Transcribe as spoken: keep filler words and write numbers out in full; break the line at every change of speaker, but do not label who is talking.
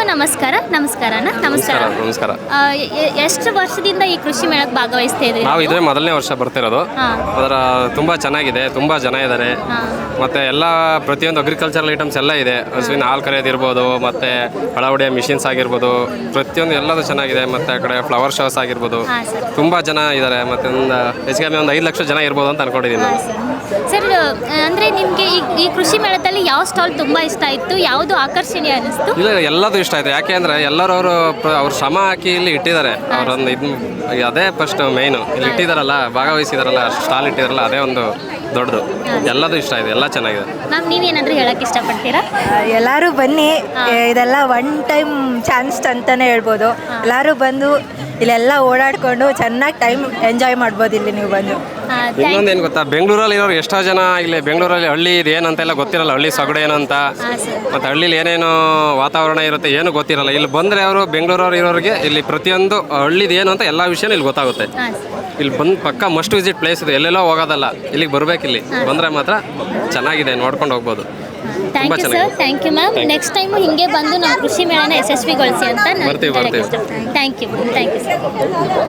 ನಮಸ್ಕಾರ ನಮಸ್ಕಾರ ಅಣ್ಣ ನಮಸ್ಕಾರ
ನಮಸ್ಕಾರ.
ಆ, ಎ- ಎಷ್ಟು ವರ್ಷದಿಂದ ಈ ಕೃಷಿ ಮೇಳಕ್ಕೆ ಭಾಗವಹಿಸ್ತಾ ಇದ್ರಿ
ನಾವು ಇದೇ ಮೊದಲನೇ ವರ್ಷ ಬರ್ತಿರೋದು.
ಹಾಂ
ಅದರ ತುಂಬ ಚೆನ್ನಾಗಿದೆ, ತುಂಬ ಜನ ಇದ್ದಾರೆ.
ಹಾಂ
ಮತ್ತು ಎಲ್ಲ ಪ್ರತಿಯೊಂದು ಅಗ್ರಿಕಲ್ಚರಲ್ ಐಟಮ್ಸ್ ಎಲ್ಲ ಇದೆ. ಹಸುವಿನ ಹಾಲು ಕರೆಯೋದಿರ್ಬೋದು, ಮತ್ತು ಒಳ ಹೊಡೆಯೋ ಮಿಷಿನ್ಸ್ ಆಗಿರ್ಬೋದು, ಪ್ರತಿಯೊಂದು ಎಲ್ಲದೂ ಚೆನ್ನಾಗಿದೆ. ಮತ್ತು ಆ ಕಡೆ ಫ್ಲವರ್ ಶೋಸ್ ಆಗಿರ್ಬೋದು,
ಹಾಂ ಸರ್
ತುಂಬ ಜನ ಇದ್ದಾರೆ. ಮತ್ತು ಒಂದು ಹೆಚ್ಚು ಕಮ್ಮಿ ಒಂದು ಐದು ಲಕ್ಷ ಜನ ಇರ್ಬೋದು ಅಂತ ಅನ್ಕೊಂಡಿದ್ದೀನಿ
ಹಾಂ
ನಾನು.
ಸರ್ ಸರ್ ಅಂದರೆ ನಿಮಗೆ ಈ ಈ ಕೃಷಿ ಮೇಳದಲ್ಲಿ ಯಾವ ಸ್ಟಾಲ್ ತುಂಬ ಇಷ್ಟ ಆಯಿತು, ಯಾವುದು ಆಕರ್ಷಣೀಯ ಅನ್ನಿಸ್ತು?
ಇಲ್ಲ, ಎಲ್ಲದೂ ಇಷ್ಟ ಆಯಿತು. ಯಾಕೆ ಅಂದರೆ ಎಲ್ಲರೂ ಅವರು ಅವ್ರ ಶ್ರಮ ಹಾಕಿ ಇಲ್ಲಿ ಇಟ್ಟಿದ್ದಾರೆ. ಅವರೊಂದು ಇದು ಅದೇ ಫಸ್ಟ್ ಮೇಯ್ನು. ಇಲ್ಲಿ ಇಟ್ಟಿದ್ದಾರಲ್ಲ, ಭಾಗವಹಿಸಿದಾರಲ್ಲ, ಸ್ಟಾಲ್ ಇಟ್ಟಿದಾರಲ್ಲ, ಅದೇ ಒಂದು ದೊಡ್ಡದು. ಎಲ್ಲದೂ ಇಷ್ಟ ಆಗಿದೆ, ಎಲ್ಲ ಚೆನ್ನಾಗಿದೆ.
ಮ್ಯಾಮ್ ನೀವೇನಾದರೂ ಹೇಳೋಕ್ಕೆ ಇಷ್ಟಪಡ್ತೀರಾ?
ಎಲ್ಲರೂ ಬನ್ನಿ, ಇದೆಲ್ಲ ಒನ್ ಟೈಮ್ ಚಾನ್ಸ್ ಅಂತಲೇ ಹೇಳ್ಬೋದು. ಎಲ್ಲರೂ ಬಂದು ಇಲ್ಲೆಲ್ಲ ಓಡಾಡಿಕೊಂಡು ಚೆನ್ನಾಗಿ ಟೈಮ್ ಎಂಜಾಯ್ ಮಾಡ್ಬೋದು ಇಲ್ಲಿ ನೀವು ಬಂದು.
ಇನ್ನೊಂದು ಏನು ಗೊತ್ತಾ, ಬೆಂಗಳೂರಲ್ಲಿ ಇರೋರು ಎಷ್ಟೋ ಜನ ಇಲ್ಲಿ ಬೆಂಗಳೂರಲ್ಲಿ ಹಳ್ಳಿ ಇದು ಏನಂತೆಲ್ಲ ಗೊತ್ತಿರಲ್ಲ. ಹಳ್ಳಿ ಸೊಗಡು ಏನು ಅಂತ, ಮತ್ತು ಹಳ್ಳಿಲಿ ಏನೇನು ವಾತಾವರಣ ಇರುತ್ತೆ ಏನು ಗೊತ್ತಿರಲ್ಲ. ಇಲ್ಲಿ ಬಂದರೆ ಅವರು ಬೆಂಗಳೂರವ್ರು ಇರೋರಿಗೆ ಇಲ್ಲಿ ಪ್ರತಿಯೊಂದು ಹಳ್ಳಿದು ಏನು ಅಂತ ಎಲ್ಲ ವಿಷಯನೂ ಇಲ್ಲಿ ಗೊತ್ತಾಗುತ್ತೆ.
ಹಾಂ
ಇಲ್ಲಿ ಬಂದು ಪಕ್ಕ ಮಸ್ಟ್ ವಿಸಿಟ್ ಪ್ಲೇಸ್ ಇದೆ, ಎಲ್ಲೆಲ್ಲೋ ಹೋಗೋದಲ್ಲ, ಇಲ್ಲಿಗೆ ಬರ್ಬೇಕು. ಇಲ್ಲಿ ಬಂದರೆ ಮಾತ್ರ ಚೆನ್ನಾಗಿದೆ, ನೋಡ್ಕೊಂಡು ಹೋಗ್ಬೋದು.
Thank you sir, thank you ma'am. Next time ಹಿಂಗೆ ಬಂದು ನಮ್ಮ ಕೃಷಿ ಮೇಳನ ಯಶಸ್ವಿಗೊಳಿಸಿ ಅಂತ ನಾನು
ಬರ್ತೀವಿ, ಬರ್ತೀವಿ.
Thank you thank you sir.